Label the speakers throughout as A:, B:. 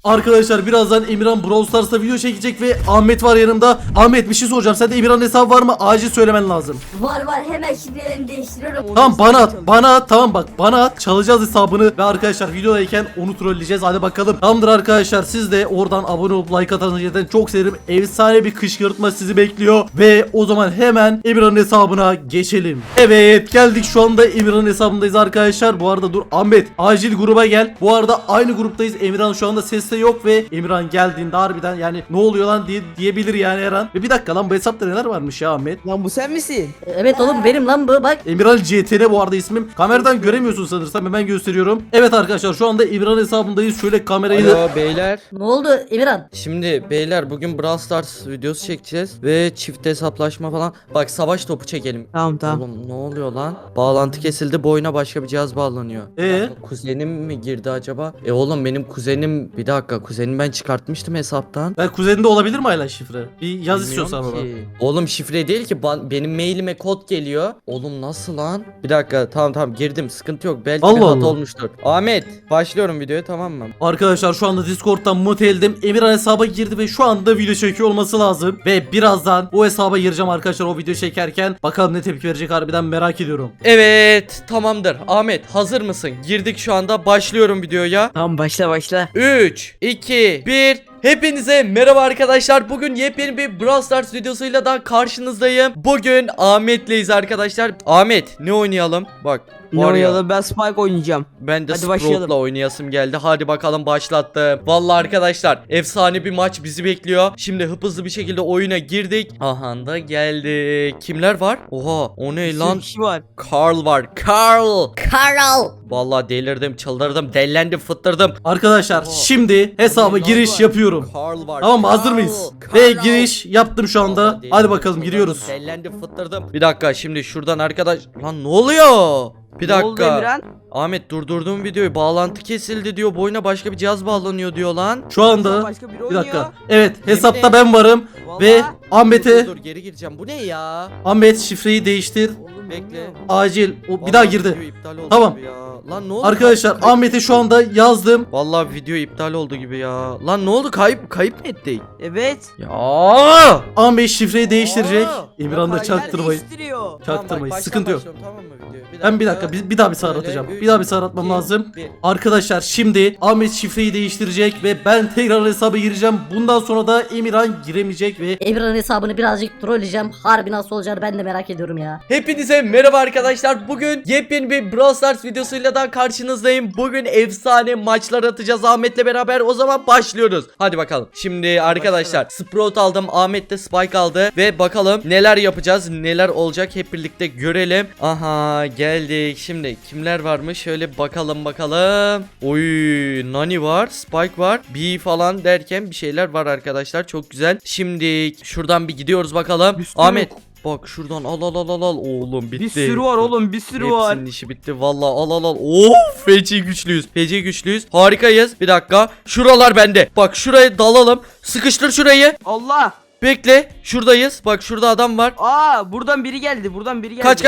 A: Arkadaşlar birazdan Emirhan Brawl Stars'ta video çekecek ve Ahmet var yanımda. Ahmet bir şey soracağım. Sende Emirhan hesabı var mı? Acil söylemen lazım.
B: Var hemen şimdi elimi değiştiriyorum.
A: Tamam bana at tamam bak bana at, çalacağız hesabını ve arkadaşlar videodayken onu trolleyeceğiz. Hadi bakalım. Tamamdır arkadaşlar, siz de oradan abone olup like atanızı zaten çok sevinirim. Efsane bir kışkırtma sizi bekliyor ve o zaman hemen Emirhan'ın hesabına geçelim. Evet, geldik şu anda Emirhan'ın hesabındayız arkadaşlar. Bu arada dur Ahmet, acil gruba gel. Bu arada aynı gruptayız. Emirhan şu anda seste yok ve Emirhan geldiğinde harbiden yani ne oluyor lan diyebilir yani her an. Ve bir dakika lan, bu hesapta neler varmış ya Ahmet?
C: Lan bu sen misin?
B: Evet oğlum benim lan bu bak.
A: Emirhan CTN bu arada ismim. Kameradan göremiyorsun sanırsam, hemen gösteriyorum. Evet arkadaşlar, şu anda Emirhan hesabındayız. Şöyle kamerayı
D: Alo beyler.
B: Ne oldu Emirhan?
D: Şimdi beyler bugün Brawl Stars videosu çekeceğiz ve çift hesaplaşma falan. Bak savaş topu çekelim.
C: Tamam.
D: Oğlum ne oluyor lan? Bağlantı kesildi, bu oyuna başka bir cihaz bağlanıyor. Kuzenim mi girdi acaba? Oğlum benim kuzenim, bir dakika, kuzenim ben çıkartmıştım hesaptan.
A: Ben kuzeninde olabilir mi hala şifre? Bir yaz
D: Bilmiyorum
A: istiyorsan baba.
D: ki. Oğlum şifre değil ki, benim mailime kod geliyor. Oğlum nasıl lan? Bir dakika, tamam girdim, sıkıntı yok, belki bir
A: Allah
D: hata
A: Allah.
D: olmuştur. Ahmet başlıyorum videoya, tamam mı?
A: Arkadaşlar şu anda Discord'dan muteldim. Emirhan hesaba girdi ve şu anda video çekiyor olması lazım. Ve birazdan o hesaba gireceğim arkadaşlar o video çekerken. Bakalım ne tepki verecek, harbiden merak ediyorum.
D: Evet, tamamdır. Ahmet hazır mısın? Girdik şu anda, başlıyorum videoya.
C: Tamam başla.
D: 3, 2, 1. Hepinize merhaba arkadaşlar. Bugün yepyeni bir Brawl Stars videosuyla da karşınızdayım. Bugün Ahmet'leyiz arkadaşlar. Ahmet ne oynayalım? Bak.
C: Ne oynayalım? Ben Spike oynayacağım.
D: Ben de
C: Hadi başlayalım.
D: Sprout'la oynayasım geldi. Hadi bakalım, başlattım. Vallahi arkadaşlar efsane bir maç bizi bekliyor. Şimdi hızlı bir şekilde oyuna girdik. Aha da geldik. Kimler var? Oha, o ne lan?
C: Kişi var.
D: Carl var. Carl.
B: Karal.
D: Vallahi delirdim, çıldırdım, dellendim, fıttırdım.
A: Arkadaşlar şimdi hesaba giriş yapıyorum.
D: Carl var.
A: Tamam mı? Hazır mıyız? Ve giriş yaptım şu anda.
D: Vallahi
A: Hadi bakalım, giriyoruz.
D: Dellendim, fıttırdım. Bir dakika, şimdi şuradan arkadaş. Lan ne oluyor? Bir
C: Ne oldu
D: dakika.
C: Emirhan?
D: Ahmet durdurduğum videoyu, bağlantı kesildi diyor. Bu oyuna başka bir cihaz bağlanıyor diyor lan.
A: Şu anda
C: Başka biri
A: bir
C: oynuyor.
A: dakika. Evet, hesapta
D: Yemin
A: ben varım
C: Vallahi.
A: ve Ahmet'e
D: Dur geri gireceğim. Bu ne ya?
A: Ahmet şifreyi değiştir.
C: Oğlum,
D: Bekle.
C: bilmiyorum.
A: Acil. O bir
D: Vallahi
A: daha girdi.
D: video iptal oldu
A: Tamam.
D: gibi ya. Lan ne oldu?
A: Arkadaşlar Ahmet'e şu anda yazdım.
D: Vallahi video iptal oldu gibi ya. Lan ne oldu? Kayıp mı ettik?
C: Evet.
D: Ya.
A: Ahmet şifreyi değiştirecek. Emirhan da
C: Paraylar
A: çaktırmayın.
C: değiştiriyor.
A: Çaktırmayın.
D: Tamam,
A: Sıkıntı yok.
D: başlıyorum, tamam mı video?
A: Ben bir dakika bir daha bir sağır
D: Böyle,
A: atacağım.
D: üç,
A: Bir daha bir sağır atmam
D: iki,
A: lazım.
D: bir.
A: Arkadaşlar şimdi Ahmet şifreyi değiştirecek ve ben tekrar hesaba gireceğim. Bundan sonra da Emirhan giremeyecek ve
B: Emirhan hesabını birazcık trolleyeceğim. Harbi nasıl olacağını ben de merak ediyorum ya.
D: Hepinize merhaba arkadaşlar. Bugün yepyeni bir Brawl Stars videosuyla da karşınızdayım. Bugün efsane maçlar atacağız Ahmet'le beraber. O zaman başlıyoruz. Hadi bakalım. Şimdi arkadaşlar Sprout aldım. Ahmet de Spike aldı. Ve bakalım neler yapacağız, neler olacak, hep birlikte görelim. Aha geldik. Şimdi kimler varmış? Şöyle bakalım. Oy, Nani var, Spike var, B falan derken bir şeyler var arkadaşlar. Çok güzel. Şimdi şuradan bir gidiyoruz bakalım.
C: Bir sürü
D: Ahmet
C: yok.
D: bak şuradan al. Oğlum bitti.
C: Bir sürü var oğlum, bir sürü var.
D: Hepsinin işi bitti. Vallahi al. Feci güçlüyüz. Harikayız. Bir dakika. Şuralar bende. Bak şuraya dalalım. Sıkıştır şurayı.
C: Allah.
D: Bekle. Şuradayız. Bak şurada adam var.
C: Buradan biri geldi.
D: Kaç.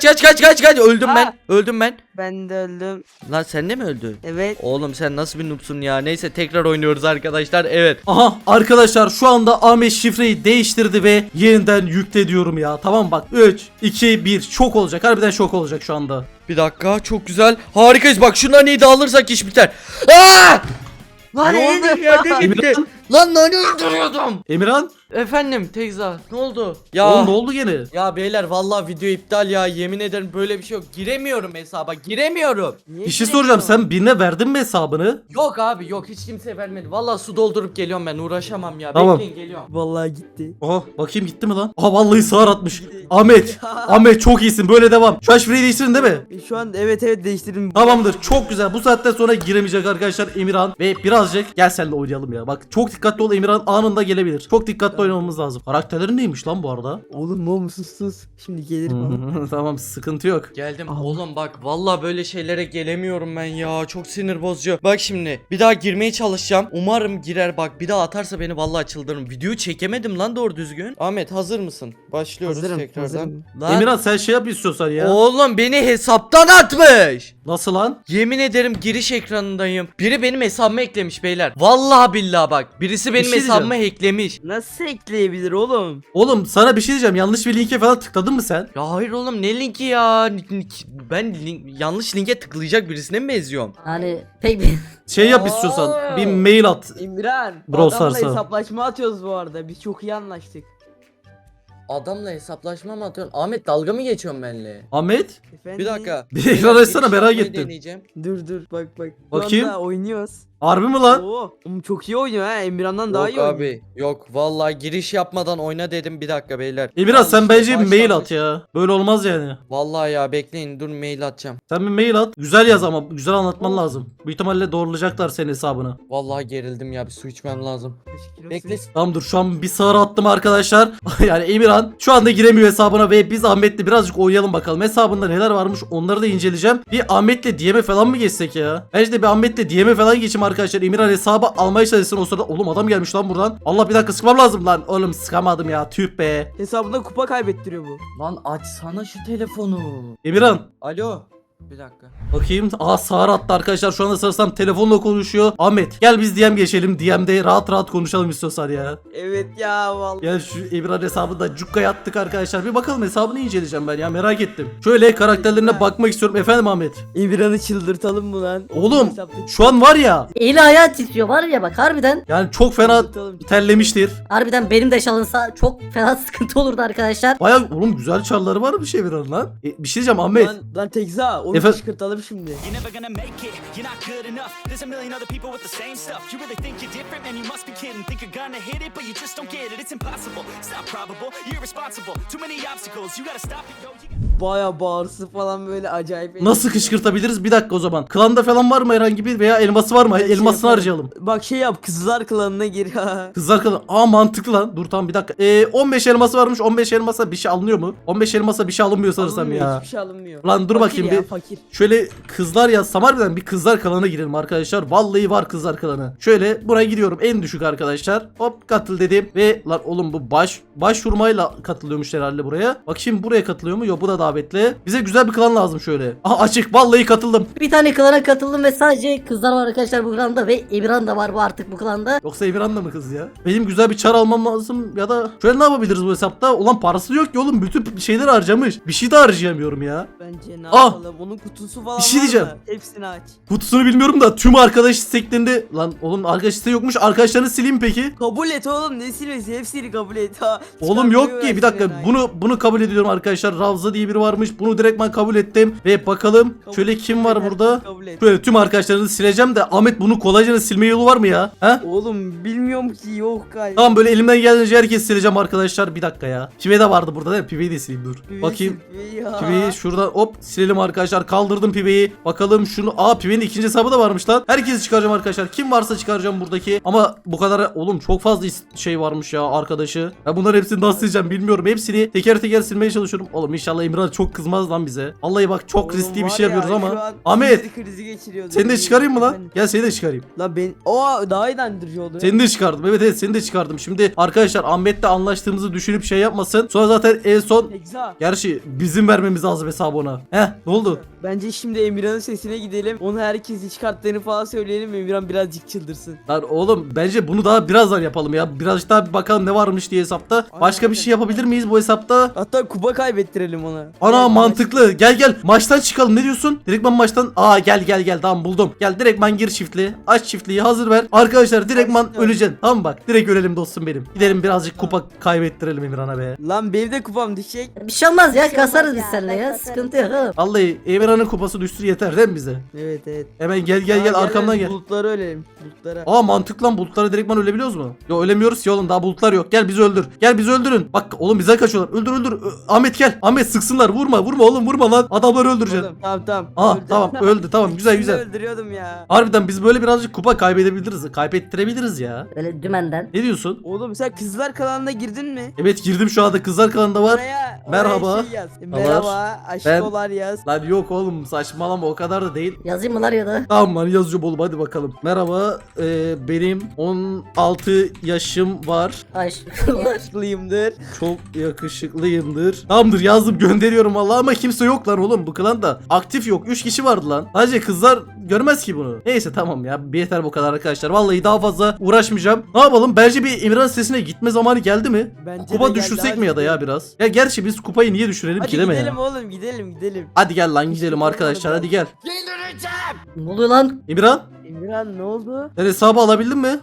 D: Öldüm
C: Aa.
D: ben.
C: Ben de öldüm.
D: Lan sen de mi öldün?
C: Evet.
D: Oğlum sen nasıl bir noobsun ya. Neyse tekrar oynuyoruz arkadaşlar. Evet.
A: aha arkadaşlar şu anda Ahmet şifreyi değiştirdi ve yeniden yükle diyorum ya. Tamam bak 3 2 1 şok olacak. Harbiden şok olacak şu anda.
D: Bir dakika. Çok güzel. Harikayız. Bak şundan iyi de alırsak iş biter. Aa!
C: Lan
D: Ne oldu? Yerde gitti. Lan ne öldürüyordum?
A: Emirhan?
D: Efendim Tekza, ne oldu? Ya
A: Oğlum ne oldu gene?
D: ya beyler vallahi video iptal ya, yemin ederim böyle bir şey yok. Giremiyorum hesaba, giremiyorum.
A: Bir şey soracağım, sen birine verdin mi hesabını?
D: Yok abi yok, hiç kimse vermedi. Vallahi su doldurup geliyorum, ben uğraşamam ya.
A: Tamam.
D: Bekleyin, geliyorum.
C: Vallahi gitti.
A: Aha bakayım gitti mi lan? Aha vallahi sağır atmış. Ahmet çok iyisin, böyle devam. Şu an şifreyi değiştirin değil mi?
C: Şu an evet değiştirdim.
A: Tamamdır, çok güzel. Bu saatten sonra giremeyecek arkadaşlar Emirhan ve birazcık gel seninle oynayalım ya. Bak çok dikkatli ol, Emirhan anında gelebilir. Çok dikkatli oynamamız lazım. Karakterlerin neymiş lan bu arada?
C: Oğlum sus. Şimdi gelirim ama.
A: Tamam, sıkıntı yok.
D: Geldim.
C: Allah.
D: Oğlum bak vallahi böyle şeylere gelemiyorum ben ya. Çok sinir bozucu. Bak şimdi bir daha girmeye çalışacağım. Umarım girer bak. Bir daha atarsa beni vallahi çıldırırım. Videoyu çekemedim lan doğru düzgün. Ahmet hazır mısın? Başlıyoruz tekrardan.
C: hazırım.
D: Lan.
A: Emirhan sen şey yap istiyorsan ya.
D: Oğlum beni hesaptan atmış.
A: Nasıl lan?
D: Yemin ederim giriş ekranındayım. Biri benim hesabıma eklemiş beyler. Vallahi billahi bak. Birisi benim
A: şey
D: hesabıma eklemiş.
C: Nasıl ekleyebilir oğlum?
A: Oğlum sana bir şey diyeceğim. Yanlış bir linke falan tıkladın mı sen?
D: Ya hayır oğlum ne linki ya? Ben yanlış linke tıklayacak birisine mi benziyorum?
B: Hani pek bir...
A: Şey yap istiyorsan. Bir mail at.
C: İmran.
A: Brawl
C: Adamla
A: Stars'a.
C: hesaplaşma atıyoruz bu arada. Biz çok iyi anlaştık.
D: Adamla hesaplaşma mı atıyorsun? Ahmet dalga mı geçiyorsun benimle?
A: Ahmet.
C: Efendim?
D: Bir dakika.
A: Bir ekran açsana,
D: Giriş
A: merak
D: yapmayı
A: ettim.
D: deneyeceğim.
C: Dur bak. Şu
A: Bakayım.
C: anda oynuyoruz.
A: Harbi mi lan?
C: Oo, çok iyi oynuyor ha. Emirhan'dan daha iyi
D: Yok
C: oynuyor.
D: abi. Yok vallahi giriş yapmadan oyna dedim. Bir dakika beyler.
A: Emirhan sen
D: Yanlış
A: bence bir mail
D: başlamış.
A: at ya. Böyle olmaz yani.
D: Vallahi ya bekleyin dur mail atacağım.
A: Sen bir mail at. Güzel yaz ama güzel anlatman lazım. Büyük ihtimalle doğrulayacaklar senin hesabını.
D: Vallahi gerildim ya bir su içmem lazım.
C: Teşekkür olsun.
D: Bekle.
A: Tamam dur, şu an bir sağır attım arkadaşlar. Yani Emirhan şu anda giremiyor hesabına ve biz Ahmet'le birazcık oynayalım bakalım. Hesabında neler varmış onları da inceleyeceğim. Bir Ahmet'le DM'e falan mı geçsek ya? Bence de bir Ahmet'le DM'e falan geçeyim arkadaşlar. Emirhan hesabı almaya çalışsın o sırada. Oğlum adam gelmiş lan buradan. Allah, bir dakika sıkmam lazım lan. Oğlum sıkamadım ya, tüh be.
C: Hesabında kupa kaybettiriyor bu.
D: Lan açsana şu telefonu.
A: Emirhan.
D: Alo. Bir dakika.
A: Bakayım. Aa, sağır attı arkadaşlar. Şu anda sanırsam telefonla konuşuyor. Ahmet gel biz DM geçelim. DM'de rahat rahat konuşalım istiyorsan ya.
C: Evet ya vallahi.
A: Gel şu Emirhan hesabında cukka attık arkadaşlar. Bir bakalım, hesabını inceleyeceğim ben ya, merak ettim. Şöyle karakterlerine bakmak istiyorum. Efendim Ahmet.
C: Emirhan'ı çıldırtalım mı lan?
A: Oğlum
C: Hesapta-
A: şu an var ya,
B: Eli ayağı titriyor var ya bak harbiden.
A: yani çok fena
C: Çıldırtalım.
A: terlemiştir.
B: Harbiden benim de çalınsa çok fena sıkıntı olurdu arkadaşlar.
A: Baya oğlum güzel çarları var bir şey Emirhan lan. Bir şey diyeceğim Ahmet.
C: Lan Tekza onu
A: Efendim?
C: kışkırtalım şimdi.
E: You're never gonna make it, you're not good enough. There's a million other people with the same stuff. You really think you're different, man, you must be kidding. Think you're gonna hit it, but you just don't get it. It's impossible, it's not probable, you're irresponsible. Too many obstacles, you gotta stop it, yo.
C: Baya bağırsı falan böyle acayip.
A: Nasıl kışkırtabiliriz? Bir dakika o zaman. Klanda falan var mı herhangi bir, veya elması var mı?
C: Şey
A: Elmasını
C: yapalım.
A: harcayalım.
C: Bak şey yap, kızlar klanına gir.
A: Kızlar klan. Aa, mantıklı lan. Dur tamam bir dakika. 15 elması varmış. 15 elmasa bir şey alınıyor mu? 15 elmasa bir şey alınmıyor sanırsam
C: Alınmıyor,
A: ya.
C: hiçbir şey alınmıyor.
A: Lan dur
C: Fakir
A: bakayım
C: ya,
A: bir.
C: fakir.
A: Şöyle kızlar yazsam harbiden bir kızlar klanına girelim arkadaşlar. Vallahi var kızlar klanı. Şöyle buraya gidiyorum, en düşük arkadaşlar. Hop katıl dedim ve lan oğlum bu başvurmayla katılıyormuş herhalde buraya. Bak şimdi buraya katılıyor mu? Yok, bu da davetli. Bize güzel bir klan lazım şöyle. Aha, açık, vallahi katıldım.
B: Bir tane klana katıldım ve sadece kızlar var arkadaşlar bu klanda ve Emirhan da var bu artık bu klanda.
A: Yoksa Emirhan da mı kız ya? Benim güzel bir çar almam lazım ya da şöyle ne yapabiliriz bu hesapta? Ulan parası yok ki oğlum, bütün şeyleri harcamış. Bir şey de harcayamıyorum ya.
C: Bence ne
A: Ah!
C: yapalım? Onun kutusu falan
A: Bir şey
C: var
A: diyeceğim.
C: mı? Hepsini aç.
A: Kutusunu bilmiyorum da tüm arkadaş isteklerinde... Lan oğlum arkadaş isteği yokmuş. Arkadaşlarını sileyim mi peki?
C: Kabul et oğlum, ne silmesi? Hepsini kabul et ha.
A: Oğlum yok ki, bir
C: Çıkartmayı
A: dakika,
C: versin
A: bunu kabul ediyorum arkadaşlar. Ravza diye biri varmış, bunu direktman kabul ettim ve bakalım
C: Kabul
A: şöyle
C: et,
A: kim var
C: kabul et,
A: burada.
C: kabul et.
A: Şöyle tüm arkadaşlarını sileceğim de Ahmet, bunu kolayca silme yolu var mı ya? He?
C: Oğlum bilmiyorum ki, yok galiba.
A: Tamam, böyle elimden geldiğince herkes sileceğim arkadaşlar. Bir dakika ya. Pive de vardı burada değil mi? Piveyi de sileyim dur.
C: Piveyi
A: Bakayım.
C: sil, ya.
A: Piveyi şuradan hop silelim arkadaşlar. Kaldırdım Piveyi. Bakalım şunu. Aa, Pive'nin ikinci hesabı da varmış lan. Herkesi çıkaracağım arkadaşlar. Kim varsa çıkaracağım buradaki. Ama bu kadar oğlum çok fazla şey varmış ya arkadaşı. Ya bunların hepsini nasıl sileceğim bilmiyorum. Hepsini teker teker silmeye çalışıyorum. Oğlum inşallah Emirhan çok kızmaz lan bize. Vallahi bak çok
C: Oğlum
A: riskli bir
C: var
A: şey
C: ya,
A: yapıyoruz
C: şu
A: ama.
C: an
A: Ahmet,
C: sinir krizi geçiriyordu.
A: seni de çıkarayım mı lan?
C: Efendim?
A: Gel seni de çıkarayım.
C: La ben o daha inandırıcı oldu.
A: Seni de çıkardım. Evet seni de çıkardım. Şimdi arkadaşlar Ahmet'le anlaştığımızı düşünüp şey yapmasın. Sonra zaten en son,
C: Tekza.
A: gerçi bizim vermemiz lazım hesabı ona. Heh, ne oldu?
C: Bence şimdi Emirhan'ın sesine gidelim. Onu herkesi çıkarttığını falan söyleyelim. Emirhan birazcık çıldırsın.
A: Lan oğlum bence bunu daha birazdan yapalım ya. Birazcık daha bir bakalım ne varmış diye hesapta. Başka bir şey yapabilir miyiz bu hesapta?
C: Hatta kupa kaybettirelim ona.
A: Ana
C: Evet,
A: mantıklı. Gel maçtan çıkalım. Ne diyorsun? Direktman maçtan. Aa gel tamam buldum. Gel direktman gir çiftliği. Aç çiftliği hazır ver. Arkadaşlar direktman
C: Açtım.
A: öleceksin. Tamam bak. Direkt ölelim dostum benim. Gidelim birazcık kupa kaybettirelim Emirhan'a be.
C: Lan benim de kupam düşecek.
B: Bir şey olmaz ya kasarız biz seninle ya sıkıntı yok oğlum.
A: Vallahi Emirhan Emirhan'ın kupası düşsün yeter değil mi bize?
C: Evet evet.
A: Hemen gel
C: Aa,
A: arkamdan gel.
C: Bulutları ölelim. Bulutlara.
A: Aa mantıklı lan, bulutlara direktman ölebiliyoruz mu? Yo ölemiyoruz ki oğlum, daha bulutlar yok. Gel bizi öldür. Gel bizi öldürün. Bak oğlum bize kaçıyorlar. Öldür. Ahmet gel. Ahmet sıksınlar. Vurma oğlum vurma lan. Adamları öldüreceksin.
C: Oğlum, tamam.
A: Aa
C: Öldü.
A: tamam öldü tamam güzel
C: Şimdi
A: güzel.
C: öldürüyordum ya.
A: Harbiden biz böyle birazcık kupa kaybedebiliriz. Kaybettirebiliriz ya.
B: Böyle dümenden.
A: Ne diyorsun?
C: Oğlum sen kızlar kanalına girdin mi?
A: Evet girdim, şu anda kızlar kanalında var.
C: Oraya
A: Merhaba.
C: Şey yaz. Merhaba. Aşkolar yaz.
A: Lan yok oğlum saçmalama, o kadar da değil.
B: Yazayım mı lan ya da?
A: Tamam lan yazacağım oğlum, hadi bakalım. Merhaba benim 16 yaşım var.
B: Aşklar.
C: Aşklıyımdır.
A: Çok yakışıklıyımdır. Tamamdır yazdım, gönderiyorum vallahi, ama kimse yok lan oğlum, bu klanda aktif yok. 3 kişi vardı lan. Sadece kızlar görmez ki bunu. Neyse tamam ya, yeter bu kadar arkadaşlar. Vallahi daha fazla uğraşmayacağım. Ne yapalım? Bence bir Emirhan sitesine gitme zamanı geldi mi?
C: Bence
A: Kupa
C: de geldi,
A: düşürsek
C: hadi
A: mi ya da ya
C: gidelim.
A: biraz? Ya gerçi biz kupayı niye düşürelim
C: Hadi
A: ki değil mi
C: gidelim
A: ya?
C: oğlum gidelim.
A: Hadi gel lan gidelim arkadaşlar, hadi gel.
B: Ne oluyor lan?
A: Emirhan
C: Emirhan ne oldu?
A: sen hesabı alabildin mi?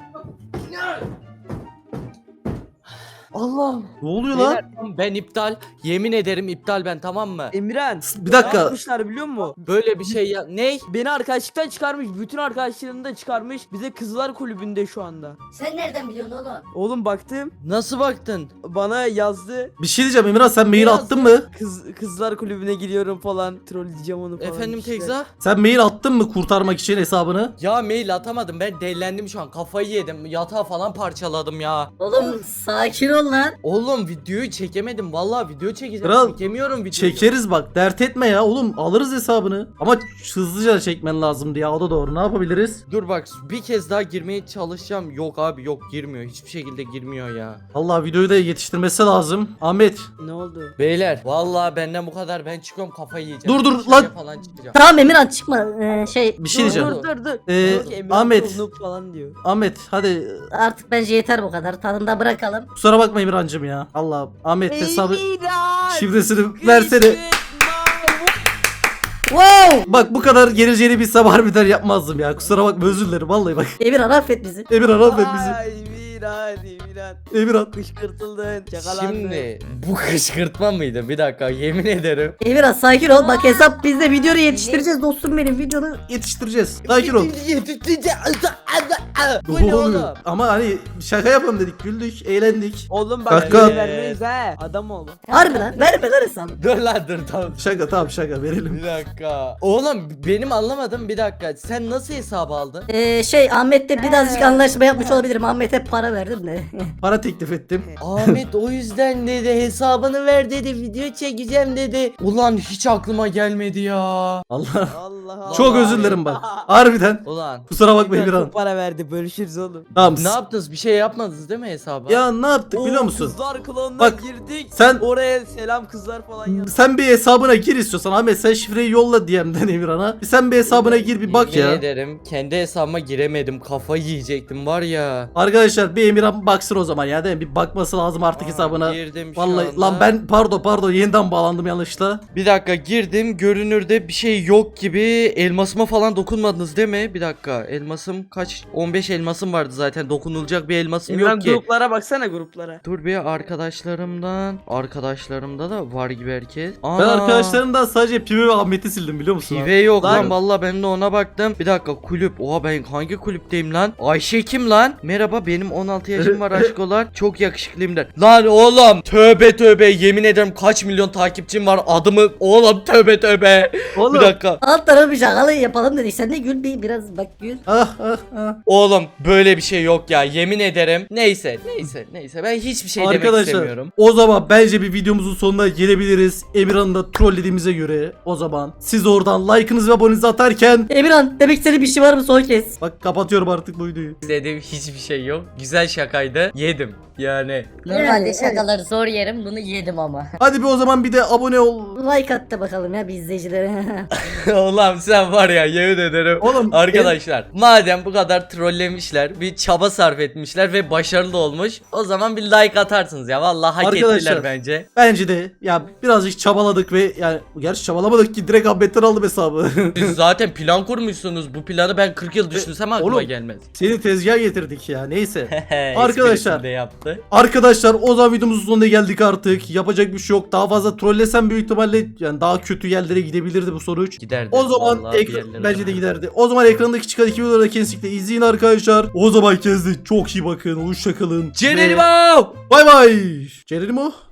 C: Allah'ım.
A: Ne oluyor lan?
D: Beyler, ben iptal. Yemin ederim iptal ben, tamam mı?
C: Emirhan.
A: Bir
C: Ne
A: dakika.
C: yapmışlar biliyor musun?
D: Böyle bir şey ya. Ney?
C: Beni arkadaşlıktan çıkarmış. Bütün arkadaşlarını da çıkarmış. Bize kızlar kulübünde şu anda.
B: Sen nereden biliyorsun oğlum?
C: Oğlum baktım.
D: Nasıl baktın?
C: Bana yazdı.
A: Bir şey diyeceğim Emirhan, sen mail
D: Biraz
A: attın mı?
C: Kızlar kulübüne giriyorum falan. Trolleyeceğim onu falan.
D: Efendim
C: işte.
D: Tekza?
A: Sen mail attın mı kurtarmak için hesabını?
D: Ya mail atamadım, ben delilendim şu an, kafayı yedim, yatağı falan parçaladım ya.
B: Oğlum sakin ol lan.
D: Oğlum videoyu çekemedim, vallahi video çekeceğim,
A: Kral,
D: çekemiyorum videoyu.
A: Çekeriz bak, dert etme ya oğlum, alırız hesabını. Ama hızlıca çekmen lazımdı ya, o da doğru. Ne yapabiliriz?
D: Dur bak, bir kez daha girmeye çalışacağım. Yok abi yok, girmiyor, hiçbir şekilde girmiyor ya.
A: Allah videoyu da yetiştirmesi lazım. Ahmet
C: Ne oldu?
D: Beyler vallahi benden bu kadar, ben çıkıyorum, kafayı yiyeceğim.
A: Dur,
D: Dışarıya
A: lan.
D: falan çıkacağım.
B: Tamam Emirhan çıkma.
A: bir şey diyeceğim.
C: Dur.
A: Ee,
C: Diyor ki, Emirhan
A: Ahmet.
C: noob falan diyor.
A: Ahmet hadi,
B: Artık bence yeter bu kadar. Tadında bırakalım.
A: kusura bakma Emirhan'cım ya. Allah Ahmet hesabı
C: Emirhan!
A: şifresini versene.
B: Wow!
A: Bak bu kadar geleceğini bilsem harbiden yapmazdım ya. Kusura bakma, özür dilerim vallahi bak.
B: Emirhan affet bizi.
A: Emirhan affet bizi.
C: Ay, Emirhan.
A: Emirhan.
C: Kışkırtıldın. Çakalandın.
D: Şimdi bu kışkırtma mıydı? Bir dakika, yemin ederim.
B: Emirhan sakin ol. Bak hesap bizde, videonu yetiştireceğiz dostum benim, videonu.
A: Yetiştireceğiz. Sakin ol.
C: Bu ne oğlum?
A: Ama hani şaka yapalım dedik, güldük, eğlendik.
C: Oğlum bak
A: Kanka.
C: böyle vermeyiz ha. Adam ol.
B: Harbi lan, verme lan hesabı.
D: Dur lan dur, tamam.
A: Şaka, tamam şaka verelim.
D: Bir dakika. Oğlum benim anlamadım, bir dakika. Sen nasıl hesabı aldın?
B: Ahmet'le birazcık anlaşma yapmış olabilirim. Ahmet'e para verdim de.
A: Para teklif ettim.
D: Ahmet o yüzden dedi, hesabını ver dedi, video çekeceğim dedi. Ulan hiç aklıma gelmedi ya.
A: Allah.
C: Allah Allah.
A: Çok özür dilerim bak. Harbiden.
D: Ulan
A: Kusura bakma
C: Emirhan
A: Emirhan.
C: çok para verdi. Bölüşürüz oğlum.
A: Tamam.
D: ne yaptınız, bir şey yapmadınız değil mi hesaba?
A: Ya ne yaptık biliyor musun?
C: Kızlar klonuna
A: Bak,
C: girdik.
A: sen-
C: Oraya selam kızlar falan yaz.
A: Sen bir hesabına gir istiyorsan Ahmet, sen şifreyi yolla DM'den Emirhan'a. Sen bir hesabına gir bir bak
D: Yemin
A: ya.
D: ederim kendi hesabıma giremedim, kafayı yiyecektim var ya.
A: Arkadaşlar bir Emirhan baksın o zaman ya, değil mi? Bir bakması lazım artık hesabına.
D: Girdim şu
A: Vallahi
D: anda.
A: lan ben pardon yeniden bağlandım yanlışla.
D: Bir dakika girdim, görünürde bir şey yok gibi. Elmasıma falan dokunmadınız değil mi? Bir dakika, elmasım kaç? 15 elmasım vardı zaten, dokunulacak bir elmasım
C: Emirhan
D: yok ki.
C: gruplara baksana gruplara.
D: Dur bir, arkadaşlarımda da var gibi herkes.
A: Ben
D: Ana,
A: arkadaşlarımdan sadece Pive ve Ahmet'i sildim biliyor musun?
D: Pive yok lan,
C: Lan.
D: vallahi ben de ona baktım. Bir dakika, kulüp. Oha, ben hangi kulüpteyim lan? Ayşe kim lan? Merhaba, benim 16 yaşım var aşkolar. Çok yakışıklıyım der. Lan oğlum, tövbe yemin ederim kaç milyon takipçim var, adımı oğlum tövbe.
C: Oğlum.
D: Bir dakika.
B: Alt tarafı bir şakalı yapalım dedik. Sen de gül biraz bak gül.
A: Ah.
D: Oğlum böyle bir şey yok ya, yemin ederim. Neyse ben hiçbir şey demek
A: Arkadaşlar
D: istemiyorum.
A: o zaman bence bir videomuzun sonuna gelebiliriz. Emirhan'ı da trollediğimize göre o zaman siz oradan like'ınızı ve abonenizi atarken
B: Emirhan demek istediğin bir şey var mı son kez?
A: bak kapatıyorum artık bu videoyu.
D: Dediğim hiçbir şey yok. Güzel şakaydı. Yedim. Yani.
B: Normalde şakaları
F: Zor yerim, bunu yedim ama.
A: Hadi bir o zaman bir de abone ol.
B: like at da bakalım ya bir izleyicilere.
D: Oğlum sen var ya, yemin ederim.
A: Oğlum
D: Arkadaşlar madem bu kadar kadar trollemişler. Bir çaba sarf etmişler ve başarılı olmuş. O zaman bir like atarsınız ya. Vallahi hak
A: Arkadaşlar.
D: ettiler bence.
A: Bence de ya birazcık çabaladık ve yani gerçi çabalamadık ki direkt Ahmet'ten aldım hesabı.
D: Siz zaten plan kurmuşsunuz. Bu planı ben 40 yıl düşünsem aklıma
A: Oğlum,
D: gelmez.
A: Seni tezgaha getirdik ya neyse.
D: Arkadaşlar.
A: Arkadaşlar.
D: De yaptı.
A: Arkadaşlar o zaman videomuzun sonuna geldik artık. Yapacak bir şey yok. Daha fazla trollesem büyük ihtimalle yani daha kötü yerlere gidebilirdi bu sonuç.
D: Giderdi.
A: O zaman
D: Vallahi bir yerlere
A: bence de
D: kadar.
A: giderdi. O zaman ekrandaki çıkan iki videoları da kesinlikle izleyin arkadaşlar. O zaman kendinize çok iyi bakın. Hoşçakalın.
D: Geronimo!
A: Bay bay. Geronimo.